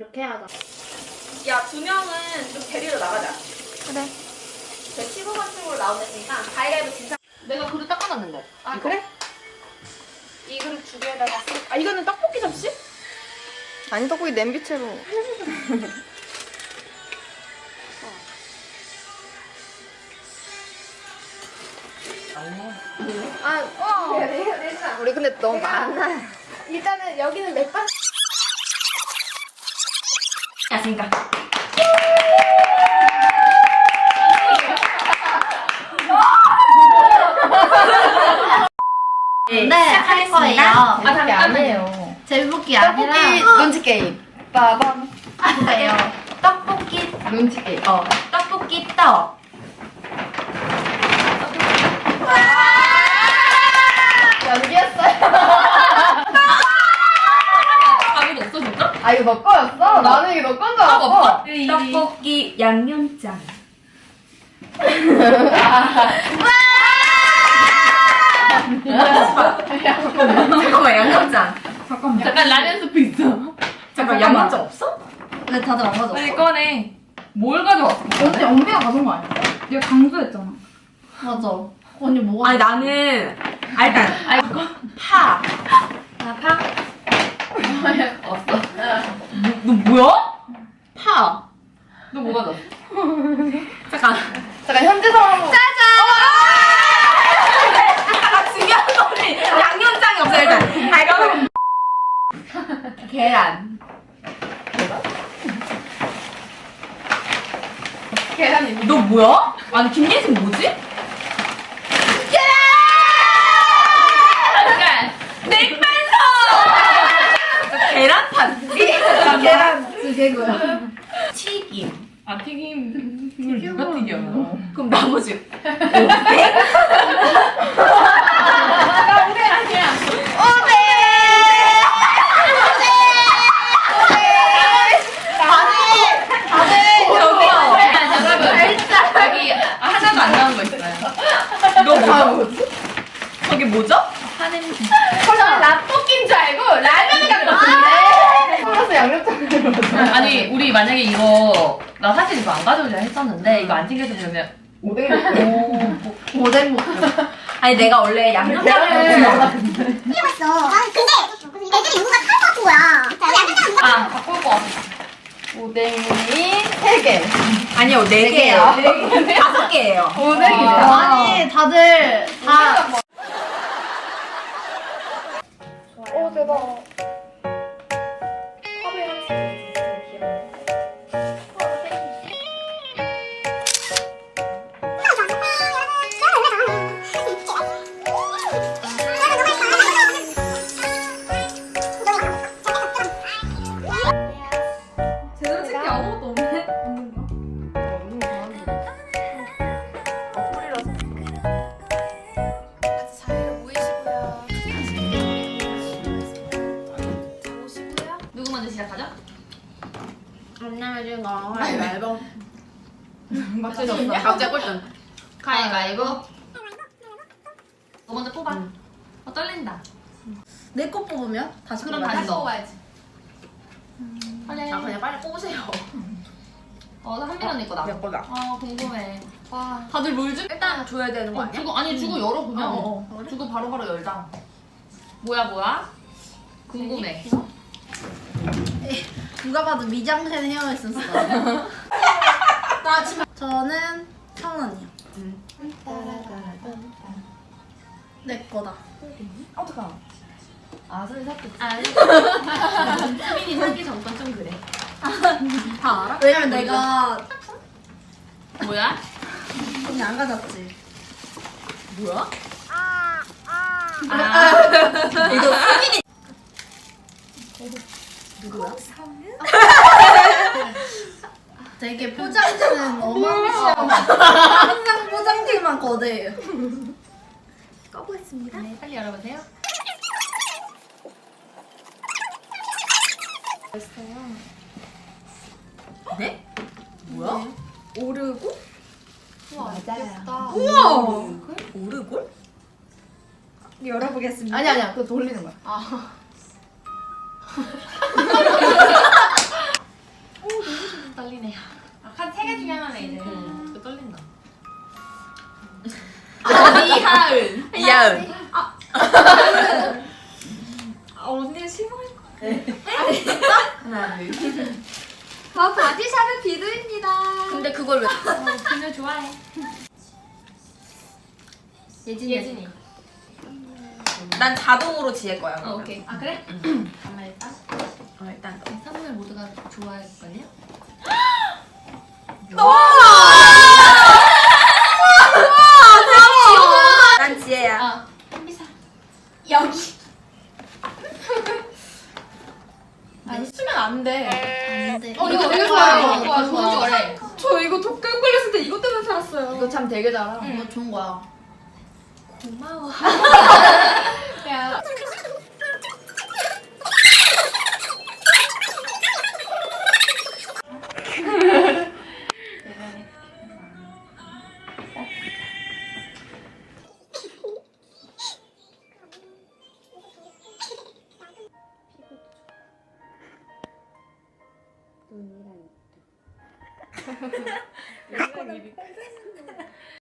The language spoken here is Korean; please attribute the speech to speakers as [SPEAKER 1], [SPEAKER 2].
[SPEAKER 1] 이렇게 하자.
[SPEAKER 2] 야, 두 명은 좀 데리러 나가자.
[SPEAKER 1] 그래.
[SPEAKER 2] 제 친구 같은 걸로 나오니까 가위바위보 진짜.
[SPEAKER 1] 내가 그릇 닦아놨는데.
[SPEAKER 2] 아, 그래? 이 그릇 두 개에다가 쓰. 아, 이거는 떡볶이 접시?
[SPEAKER 1] 아니 떡볶이 냄비채로. 우리 근데 너무 많아.
[SPEAKER 2] 일단은 여기는 맥반.
[SPEAKER 1] 야니까
[SPEAKER 3] 네, 할 거예요.
[SPEAKER 2] 아, 잠깐만요.
[SPEAKER 3] 제목이 아니라
[SPEAKER 1] 떡볶이 눈치 게임. 빠밤.
[SPEAKER 3] 뭐예요? 떡볶이
[SPEAKER 1] 눈치 게임.
[SPEAKER 3] 떡볶이 떡.
[SPEAKER 1] 연기였어요.
[SPEAKER 2] 아무도 없어, 진짜?
[SPEAKER 1] 아 이거 너 거였어? 나는 이게 너 건 줄 알았어.
[SPEAKER 3] 떡볶이 양념장.
[SPEAKER 1] 잠깐만 양념장.
[SPEAKER 2] 잠깐 라면 스프 있어.
[SPEAKER 1] 잠깐 양념장 없어?
[SPEAKER 3] 왜 다들 안 가져왔어?
[SPEAKER 2] 빨리 꺼내. 뭘 가져왔어?
[SPEAKER 4] 어제 언니가 가져온 거 아니야? 내가 강조했잖아.
[SPEAKER 3] 맞아. 언니 뭐가?
[SPEAKER 2] 아니, 나는. 아, 일단. 파.
[SPEAKER 3] 나 파?
[SPEAKER 2] 없어. 너 뭐야? 파. 너 뭐 가져왔어? 잠깐.
[SPEAKER 1] 잠깐 현재 상황.
[SPEAKER 2] 중요한 거는 양념장이 없어, 일단. 아, 이거는. 계란.
[SPEAKER 1] 계란이.
[SPEAKER 2] 너 뭐야? 아니, 김예진 뭐지? 계란! 냉면서! 계란판.
[SPEAKER 1] 계란 두 개고요.
[SPEAKER 2] 튀김. 아, 튀김을 누가 튀겨? 그럼 나머지. 여기 하나도 안 나온 거 있어요. 이거 뭐죠? 저게 뭐죠?
[SPEAKER 1] 설마 라볶이인 줄 알고 라면을 갖고 왔는데. 플러스 양념장을 먹었어.
[SPEAKER 2] 아니, 우리 만약에 이거 나 사실 이거 안 가져오려 했었는데 이거 안 챙겨서 그러면
[SPEAKER 1] 오뎅이 먹고.
[SPEAKER 3] 오뎅 먹고.
[SPEAKER 2] 아니 내가 원래 양념장을
[SPEAKER 5] 있어. 아, 근데 애들이 누군가 탈것 같은 거야. 양념장
[SPEAKER 2] 아 갖고 올 거 같아.
[SPEAKER 1] 오뎅이 3개.
[SPEAKER 2] 아니요, 4개예요. 5개예요.
[SPEAKER 1] 오뎅이래요.
[SPEAKER 3] 아니 다들 다
[SPEAKER 1] 오 대박.
[SPEAKER 4] 제대로 챙기 아무것도 없네.
[SPEAKER 2] 누구 먼저 시작하죠?
[SPEAKER 3] 안 내면 거 가위바위보.
[SPEAKER 2] 각자 꼴등. 가위바위보. 너 먼저 뽑아. 떨린다.
[SPEAKER 3] 내 거 뽑으면 다시
[SPEAKER 2] 그럼
[SPEAKER 3] 뽑아야지.
[SPEAKER 2] 다시 넣어야지. 빨리.
[SPEAKER 3] 아 그냥 빨리 뽑으세요.
[SPEAKER 2] 한빈 언니 거다.
[SPEAKER 1] 내 거다.
[SPEAKER 2] 아, 궁금해. 와. 다들 물 주?
[SPEAKER 3] 일단 줘야 되는 거 아니야?
[SPEAKER 2] 주고, 아니, 주고 열어, 그냥. 주고 바로바로 열자. 뭐야? 궁금해.
[SPEAKER 3] 누가 봐도 미장센 헤어 에센스. 저는 성원 언니요. 내 거다.
[SPEAKER 1] 어떡하? 아 손이 삭
[SPEAKER 2] 아니. 수빈이 사기 전건 좀 그래.
[SPEAKER 3] 다 알아? 왜냐면 내가
[SPEAKER 2] 뭐야?
[SPEAKER 3] 언니 안 가졌지.
[SPEAKER 2] 뭐야?
[SPEAKER 3] 이거 수빈이 누구야? 되게 포장지는 어마무시하고 항상 포장지만 거대해요. 꺼보겠습니다.
[SPEAKER 2] 네, 빨리 열어보세요.
[SPEAKER 3] 네?
[SPEAKER 2] 뭐야?
[SPEAKER 3] 오르고?
[SPEAKER 1] 맞아요.
[SPEAKER 3] 우와! 오르골? 열어보겠습니다.
[SPEAKER 1] 아니야 그거 돌리는 거야.
[SPEAKER 2] 하면 이제
[SPEAKER 6] 또 떨린다.
[SPEAKER 2] 이하은.
[SPEAKER 6] 이하은.
[SPEAKER 3] 언니 실망할 거.
[SPEAKER 6] 하나, 둘.
[SPEAKER 3] 저 바디샵의 비두입니다.
[SPEAKER 2] 근데 그걸 왜? 그녀 좋아해. 예진이.
[SPEAKER 6] 난 자동으로 지을 거야. 그러면.
[SPEAKER 2] 오케이. 아 그래? 잠깐만 일단.
[SPEAKER 6] 일단.
[SPEAKER 2] 선물 모두가 좋아할걸요?
[SPEAKER 6] 난 지혜야.
[SPEAKER 2] 아 한비사. 여기. 안 쓰면 안 돼.
[SPEAKER 3] 안 돼.
[SPEAKER 1] 이거
[SPEAKER 2] 이거
[SPEAKER 1] 되게
[SPEAKER 2] 좋아요.
[SPEAKER 1] 좋아요.
[SPEAKER 2] 좋아. 좋아해.
[SPEAKER 4] 저 이거 독감 걸렸을 때 이것 때문에 살았어요.
[SPEAKER 1] 이거 참 되게 잘하.
[SPEAKER 3] 이거 좋은 거야.
[SPEAKER 2] 고마워.
[SPEAKER 1] 야.